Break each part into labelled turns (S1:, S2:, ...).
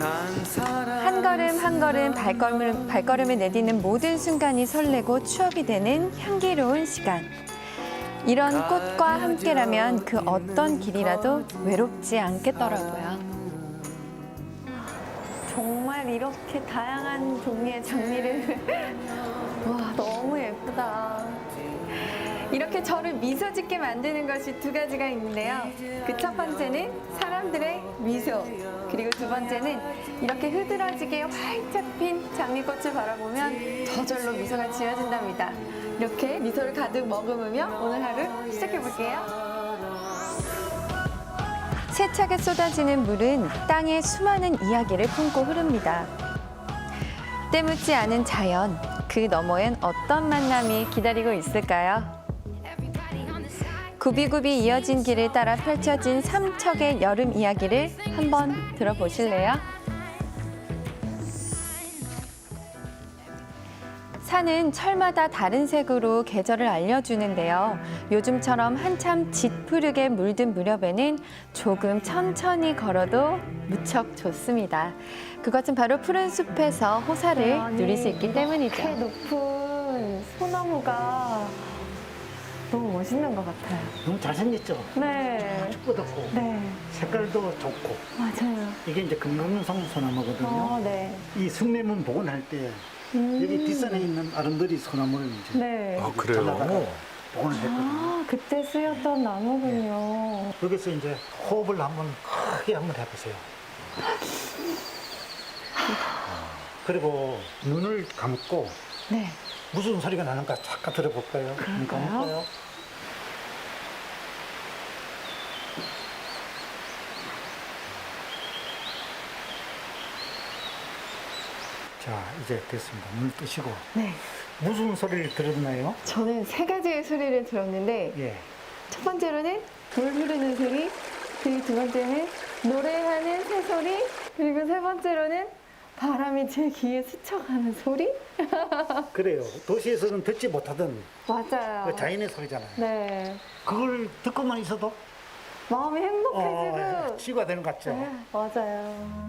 S1: 한 걸음 한 걸음 발걸음을 내딛는 모든 순간이 설레고 추억이 되는 향기로운 시간. 이런 꽃과 함께라면 그 어떤 길이라도 외롭지 않겠더라고요. 정말 이렇게 다양한 종류의 장미를 와, 너무 예쁘다. 이렇게 저를 미소 짓게 만드는 것이 두 가지가 있는데요. 그 첫 번째는 사람들의 미소, 그리고 두 번째는 이렇게 흐드러지게 활짝 핀 장미꽃을 바라보면 저절로 미소가 지어진답니다. 이렇게 미소를 가득 머금으며 오늘 하루 시작해볼게요. 세차게 쏟아지는 물은 땅의 수많은 이야기를 품고 흐릅니다. 때묻지 않은 자연, 그 너머엔 어떤 만남이 기다리고 있을까요? 굽이굽이 이어진 길을 따라 펼쳐진 삼척의 여름 이야기를 한번 들어보실래요? 산은 철마다 다른 색으로 계절을 알려주는데요. 요즘처럼 한참 짙푸르게 물든 무렵에는 조금 천천히 걸어도 무척 좋습니다. 그것은 바로 푸른 숲에서 호사를 누릴 수 있기 때문이죠. 이렇게 높은 소나무가 너무 멋있는 것 같아요.
S2: 너무 잘생겼죠?
S1: 네.
S2: 아주 뻗었고
S1: 네.
S2: 색깔도 좋고.
S1: 맞아요.
S2: 이게 이제 금강송 소나무거든요.
S1: 네.
S2: 이 성매문 복원할 때 여기 뒷산에 있는 아름드리 소나무를 이제
S1: 네.
S3: 아, 그래요?
S2: 잘라다가 복원을 했거든요.
S1: 아, 그때 쓰였던 나무군요.
S2: 여기서 이제 호흡을 한번 크게 한번 해보세요. 그리고 눈을 감고
S1: 네.
S2: 무슨 소리가 나는가 잠깐 들어볼까요? 눈
S1: 그럴까요?
S2: 감을까요? 자, 이제 됐습니다. 눈을 뜨시고.
S1: 네.
S2: 무슨 소리를 들었나요?
S1: 저는 세 가지의 소리를 들었는데
S2: 예.
S1: 첫 번째로는 물 흐르는 소리, 그리고 두 번째는 노래하는 새소리, 그리고 세 번째로는 바람이 제 귀에 스쳐가는 소리?
S2: 그래요. 도시에서는 듣지 못하던
S1: 맞아요.
S2: 그 자연의 소리잖아요.
S1: 네.
S2: 그걸 듣고만 있어도
S1: 마음이 행복해지고.
S2: 치유가 되는 것 같죠?
S1: 네, 맞아요.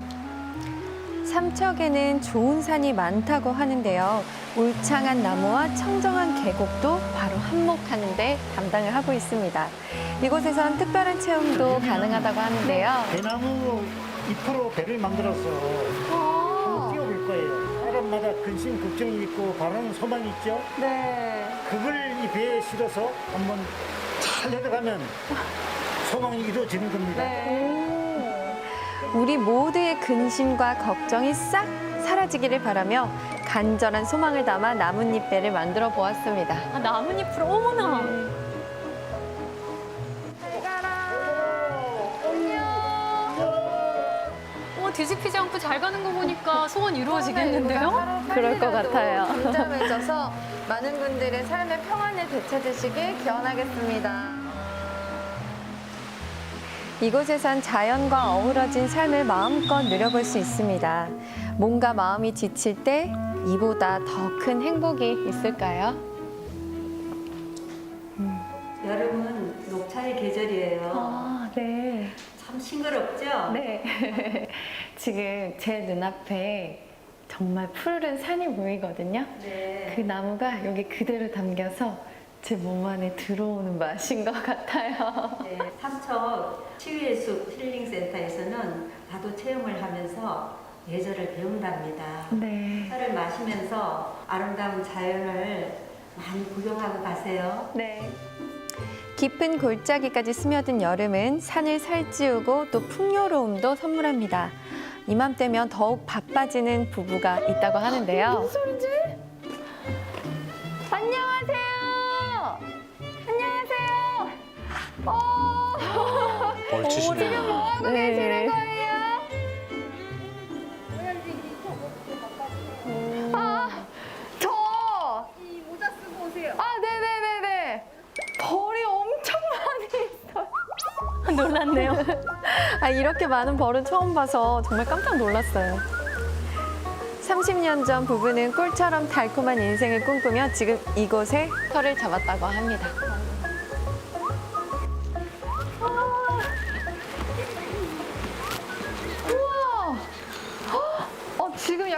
S1: 삼척에는 좋은 산이 많다고 하는데요. 울창한 나무와 청정한 계곡도 바로 한몫하는 데 담당을 하고 있습니다. 이곳에선 특별한 체험도 가능하다고 하는데요.
S2: 대나무 잎으로 배를 만들어서 띄워볼 거예요. 사람마다 근심, 걱정이 있고 바라는 소망이 있죠?
S1: 네.
S2: 그걸 이 배에 실어서 한번 잘 내려가면 소망이 이루어지는 겁니다.
S1: 우리 모두의 근심과 걱정이 싹 사라지기를 바라며 간절한 소망을 담아 나뭇잎배를 만들어 보았습니다.
S4: 아, 나뭇잎으로 어머나.
S1: 잘 가라.
S4: 뒤집히지 않고 잘 가는 거 보니까 소원 이루어지겠는데요?
S1: 그럴 것 같아요.
S5: 잠잠해져서 많은 분들의 삶의 평안을 되찾으시길 기원하겠습니다.
S1: 이곳에선 자연과 어우러진 삶을 마음껏 누려볼 수 있습니다. 몸과 마음이 지칠 때 이보다 더 큰 행복이 있을까요?
S6: 여름은 녹차의 계절이에요.
S1: 아, 네.
S6: 참 싱그럽죠?
S1: 네. 지금 제 눈앞에 정말 푸르른 산이 보이거든요.
S6: 네.
S1: 그 나무가 여기 그대로 담겨서 제 몸 안에 들어오는 맛인 것 같아요.
S6: 네, 삼척 치유의 숲 힐링센터에서는 파도 체험을 하면서 예절을 배운답니다.
S1: 네.
S6: 차를 마시면서 아름다운 자연을 많이 구경하고 가세요.
S1: 네. 깊은 골짜기까지 스며든 여름은 산을 살찌우고 또 풍요로움도 선물합니다. 이맘때면 더욱 바빠지는 부부가 있다고 하는데요. 무슨 소리지? 안녕하세요. 안녕하세요.
S3: 벌치시네요.
S1: 지금 뭐 하고 계시는 거예요? 저! 이 모자 쓰고 오세요. 아, 네네네네. 벌이 엄청 많이 있어요.
S4: 놀랐네요.
S1: 아, 이렇게 많은 벌은 처음 봐서 정말 깜짝 놀랐어요. 30년 전 부부는 꿀처럼 달콤한 인생을 꿈꾸며 지금 이곳에 터를 잡았다고 합니다. 우와!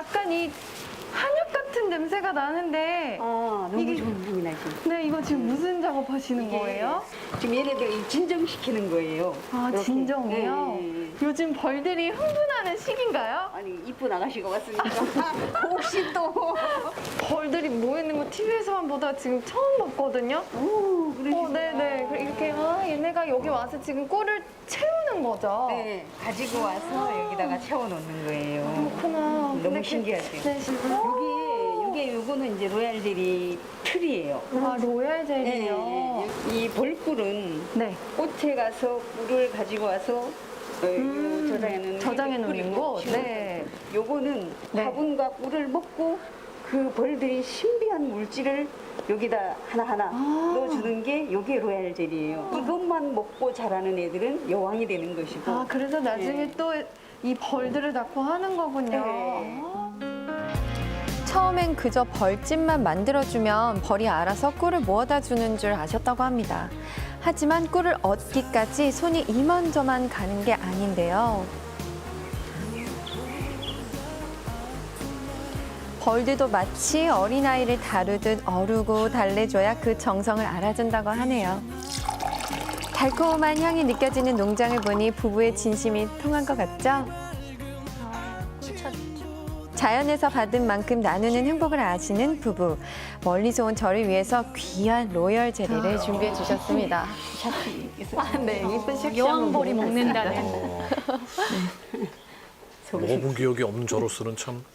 S1: 약간 이 한약 같은 냄새가 나는데
S3: 너무
S1: 이게-
S3: 좋은 향이 나죠.
S1: 네, 이거 지금 무슨 작업하시는 거예요?
S3: 지금 얘네들 진정시키는 거예요.
S1: 아,
S3: 이렇게.
S1: 진정이요?
S3: 네.
S1: 요즘 벌들이 흥분하는 시기인가요?
S3: 아니 이쁜 아가씨가 왔으니까 혹시 또
S1: 벌들이 모이는 거 TV에서만 보다 지금 처음 봤거든요.
S3: 그러시구나.
S1: 네네. 이렇게 얘네가 여기 와서 지금 꿀을 채우는 거죠.
S3: 네, 가지고 와서 여기다가 채워놓는 거예요.
S1: 그렇구나.
S3: 너무
S1: 근데
S3: 신기하죠.
S1: 네,
S3: 요거는 이제 로얄 젤리 틀이에요.
S1: 아, 로얄 젤리요.
S3: 이 벌꿀은
S1: 네.
S3: 꽃에 가서 꿀을 가지고 와서
S1: 저장해 놓는 곳.
S3: 네.
S1: 네.
S3: 요거는
S1: 네.
S3: 화분과 꿀을 먹고 그 벌들이 신비한 물질을 여기다 하나하나 넣어주는 게 요게 로얄 젤이에요. 이것만 먹고 자라는 애들은 여왕이 되는 것이고.
S1: 아, 그래서 나중에
S3: 네.
S1: 또 이 벌들을 낳고 하는 거군요.
S3: 네.
S5: 처음엔 그저 벌집만 만들어주면 벌이 알아서 꿀을 모아다 주는 줄 아셨다고 합니다. 하지만 꿀을 얻기까지 손이 이만저만 가는 게 아닌데요. 벌들도 마치 어린아이를 다루듯 어루고 달래줘야 그 정성을 알아준다고 하네요. 달콤한 향이 느껴지는 농장을 보니 부부의 진심이 통한 것 같죠? 자연에서 받은 만큼 나누는 행복을 아시는 부부. 멀리서 온 저를 위해서 귀한 로열 젤리를 준비해 주셨습니다.
S1: 네, 이쁜 샥
S4: 여왕벌이 먹는다는.
S7: 먹어본 기억이 없는 저로서는 참.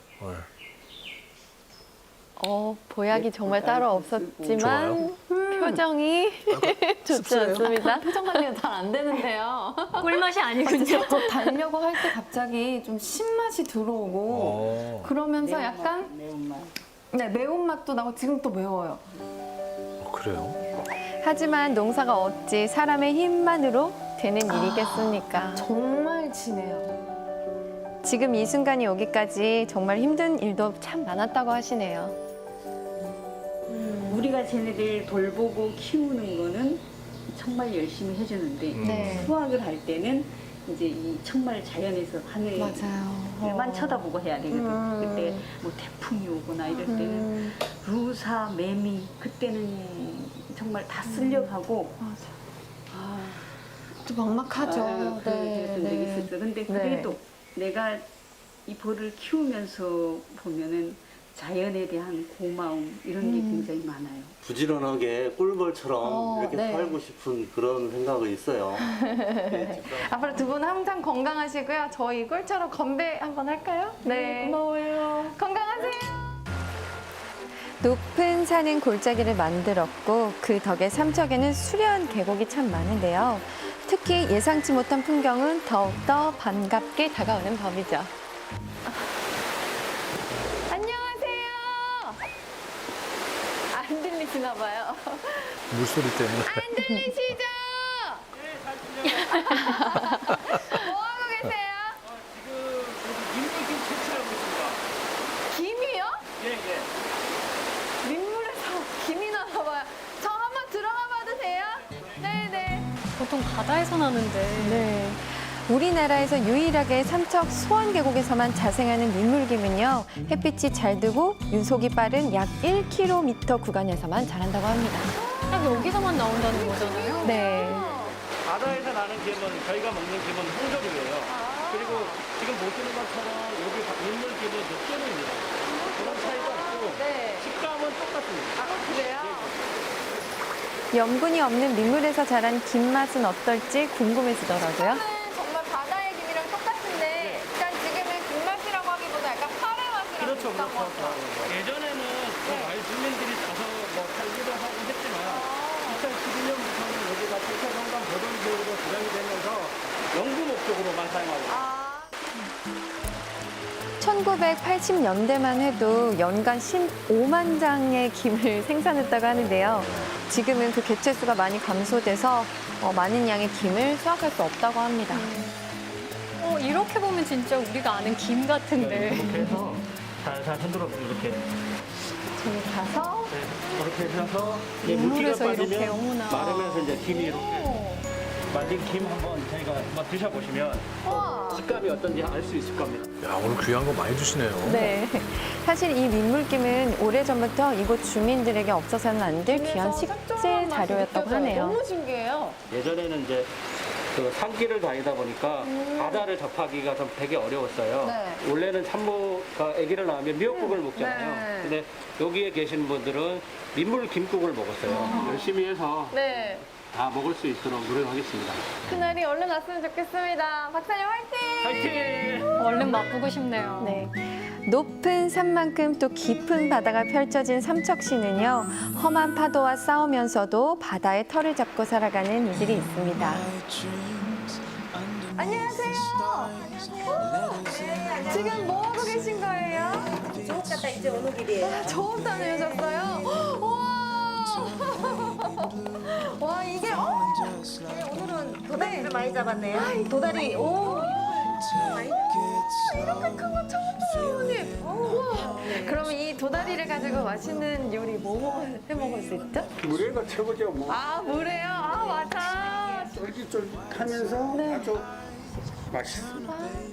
S5: 보약이 정말 따로 없었지만
S7: 좋아요.
S5: 표정이 좋지 않습니다.
S1: 표정 관리가 잘 안 되는데요.
S4: 꿀맛이 아니군요.
S1: 살짝 달려고 할 때 갑자기 좀 신맛이 들어오고 그러면서 약간
S3: 매운맛.
S1: 네, 매운맛도 나고 지금 또 매워요.
S7: 그래요?
S5: 하지만 농사가 어찌 사람의 힘만으로 되는 일이겠습니까?
S1: 정말 진해요.
S5: 지금 이 순간이 오기까지 정말 힘든 일도 참 많았다고 하시네요.
S3: 우리가 쟤네들 돌보고 키우는 거는 정말 열심히 해주는데
S1: 네.
S3: 수확을 할 때는 이제 이 정말 자연에서 하늘만 쳐다보고 해야 되거든. 그때 뭐 태풍이 오거나 이럴 때는 루사, 매미 그때는 정말 다 쓸려가고
S1: 또 막막하죠.
S3: 그랬던 적이 있었어. 근데 그래도 내가 이 벌을 키우면서 보면은 자연에 대한 고마움 이런 게 굉장히 많아요.
S8: 부지런하게 꿀벌처럼 이렇게
S1: 네.
S8: 살고 싶은 그런 생각이 있어요.
S1: 앞으로 두 분 항상 건강하시고요. 저희 꿀처럼 건배 한번 할까요? 네. 고마워요. 건강하세요.
S5: 높은 산은 골짜기를 만들었고 그 덕에 삼척에는 수려한 계곡이 참 많은데요. 특히 예상치 못한 풍경은 더욱더 반갑게 다가오는 법이죠.
S1: 안녕하세요. 안 들리시나 봐요.
S7: 물소리 때문에.
S1: 안 들리시죠? 뭐 하고 계세요? 김이요? 민물에서 김이 나나 봐요. 저 한번 들어가 봐도 돼요? 네네.
S4: 보통 바다에서 나는데.
S5: 네. 우리나라에서 유일하게 삼척 소원계곡에서만 자생하는 민물김은요. 햇빛이 잘 들고 윤속이 빠른 약 1km 구간에서만 자란다고 합니다.
S4: 딱 여기서만 나온다는 거잖아요.
S5: 네.
S9: 바다에서 나는 김은 저희가 먹는 김은 홍조림이에요. 그리고 지금 보시는 것처럼 여기 민물 김은 육조림입니다. 그런 차이도 없고 식감은 똑같습니다.
S1: 그래요?
S5: 염분이 없는 민물에서 자란 김 맛은 어떨지 궁금해지더라고요.
S1: 정말 바다의 김이랑 똑같은데 일단 지금은 김맛이라고 하기보다 약간 파래 맛이랑
S9: 그렇죠,
S1: 비슷한 것
S9: 그렇죠.
S1: 같아요.
S9: 예전에는 그 마을 주민들이 가서 뭐 살기도 하고 했지만 2012년부터는 여기가 청사정강 보존지역으로 지정이 되면서 연구 목적으로만 사용하고 있습니다.
S5: 1980년대만 해도 연간 15만 장의 김을 생산했다고 하는데요. 지금은 그 개체수가 많이 감소돼서 많은 양의 김을 수확할 수 없다고 합니다.
S4: 이렇게 보면 진짜 우리가 아는 김 같은데.
S9: 이렇게 해서 살살 흔들어서 이렇게
S1: 저기 가서
S9: 이렇게 해서
S4: 민물에서
S9: 물기가
S4: 이렇게,
S9: 빠지면
S4: 어머나.
S9: 마르면서 이제 김이 이렇게 말린 김 한번 저희가 한번 드셔보시면 식감이 어떤지 알 수 있을 겁니다.
S7: 야, 오늘 귀한 거 많이 주시네요.
S5: 네. 사실 이 민물김은 오래전부터 이곳 주민들에게 없어서는 안 될 귀한 식재 자료였다고 하네요.
S1: 너무 신기해요.
S9: 예전에는 이제 그 산길을 다니다 보니까 바다를 접하기가 좀 되게 어려웠어요.
S1: 네.
S9: 원래는 산모가 아기를 낳으면 미역국을 먹잖아요.
S1: 네.
S9: 근데 여기에 계신 분들은 민물 김국을 먹었어요. 열심히 해서
S1: 네.
S9: 다 먹을 수 있도록 노력하겠습니다.
S1: 그날이 얼른 왔으면 좋겠습니다. 박사님 화이팅!
S9: 화이팅!
S4: 얼른 맛보고 싶네요.
S5: 네. 높은 산만큼 또 깊은 바다가 펼쳐진 삼척시는요, 험한 파도와 싸우면서도 바다의 털을 잡고 살아가는 이들이 있습니다.
S1: 안녕하세요. 지금 뭐 하고 계신 거예요?
S6: 조금 갔다 이제 오는 길이에요.
S1: 저음 다녀오셨어요? 와 이게
S6: 오늘은 도다리를 많이 잡았네요. 도다리,
S1: 이렇게 큰 거 처음 봐요, 언니. 우와. 그러면 이 도다리를 가지고 맛있는 요리 뭐 해 먹을 수 있죠?
S2: 물회가 최고죠. 뭐
S1: 아 물에요? 아 맞아.
S2: 쫄깃쫄깃하면서 아주 맛있습니다.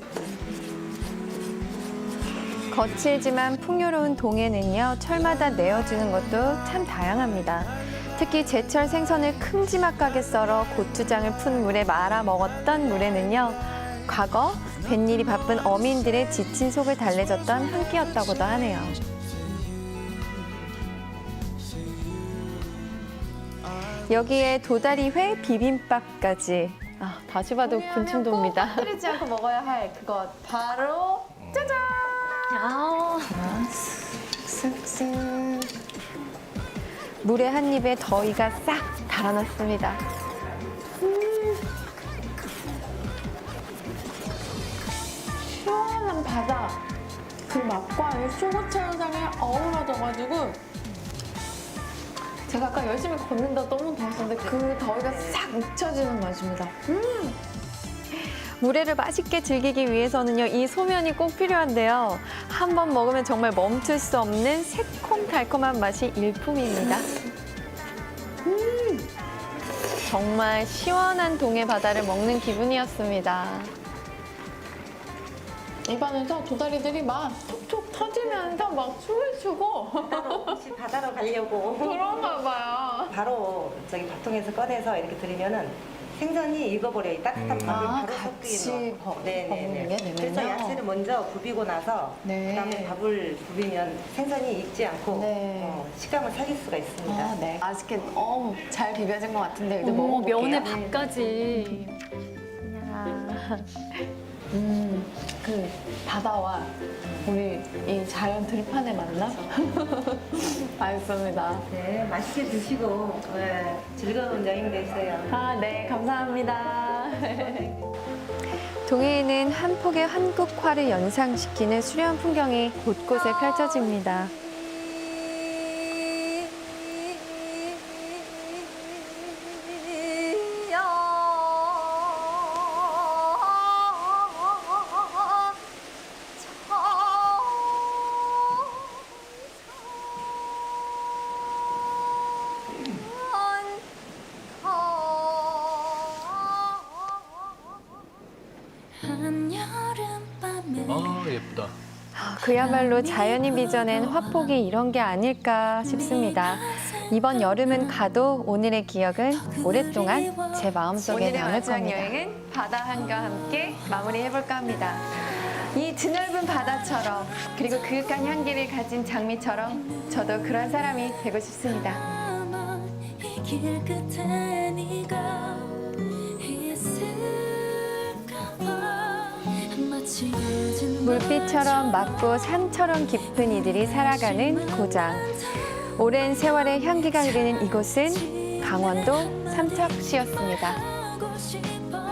S5: 거칠지만 풍요로운 동해는요, 철마다 내어주는 것도 참 다양합니다. 특히 제철 생선을 큼지막하게 썰어 고추장을 푼 물에 말아 먹었던 물에는요, 과거 뱃일이 바쁜 어민들의 지친 속을 달래줬던 한 끼였다고도 하네요. 여기에 도다리회 비빔밥까지. 아, 다시 봐도 군침 돕니다.
S1: 끓이지 않고 먹어야 할 그것 바로 짜잔!
S4: 아,
S5: 쓱쓱. 물에 한 입에 더위가 싹 달아났습니다.
S1: 시원한 바다 그 맛과 이 수고차 현상이 어우러져가지고 제가 아까 열심히 걷는다 너무 더웠었는데 그 더위가 싹 잊혀지는 맛입니다.
S5: 물회를 맛있게 즐기기 위해서는요, 이 소면이 꼭 필요한데요. 한 번 먹으면 정말 멈출 수 없는 새콤달콤한 맛이 일품입니다. 정말 시원한 동해 바다를 먹는 기분이었습니다.
S1: 입안에서 도다리들이 막 톡톡 터지면서 막 춤을 추고
S6: 혹시 바다로 가려고
S1: 그런가 봐요.
S6: 바로 저기 밥통에서 꺼내서 이렇게 드리면은 생선이 익어버려요. 이 따뜻한 밥을 바로
S1: 같이
S6: 섞이는 거.
S1: 먹는 게 되면요.
S6: 그래서 야채를 먼저 부비고 나서
S1: 네.
S6: 그다음에 밥을 부비면 생선이 익지 않고
S1: 네.
S6: 식감을 살릴 수가 있습니다.
S1: 아, 네. 맛있게 너무 잘 비벼진 것 같은데 이제
S4: 어머,
S1: 먹어볼게요.
S4: 면에 밥까지.
S1: 그 바다와 우리 이 자연 들판의 만남? 맛있습니다.
S6: 네, 맛있게 드시고 즐거운 여행 되세요.
S1: 아, 네, 감사합니다.
S5: 동해에는 한 폭의 한국화를 연상시키는 수려한 풍경이 곳곳에 펼쳐집니다.
S7: 아, 예쁘다.
S5: 그야말로 자연이 빚어낸 화폭이 이런 게 아닐까 싶습니다. 이번 여름은 가도 오늘의 기억은 오랫동안 제 마음속에
S1: 오늘의
S5: 남을
S1: 마지막
S5: 겁니다.
S1: 여행은 바다 한과 함께 마무리해볼까 합니다. 이 드넓은 바다처럼 그리고 그윽한 향기를 가진 장미처럼 저도 그런 사람이 되고 싶습니다.
S10: 길 끝에 네가 있을까봐 마치
S5: 물빛처럼 맑고 산처럼 깊은 이들이 살아가는 고장. 오랜 세월의 향기가 흐르는 이곳은 강원도 삼척시였습니다.
S10: 하고 싶어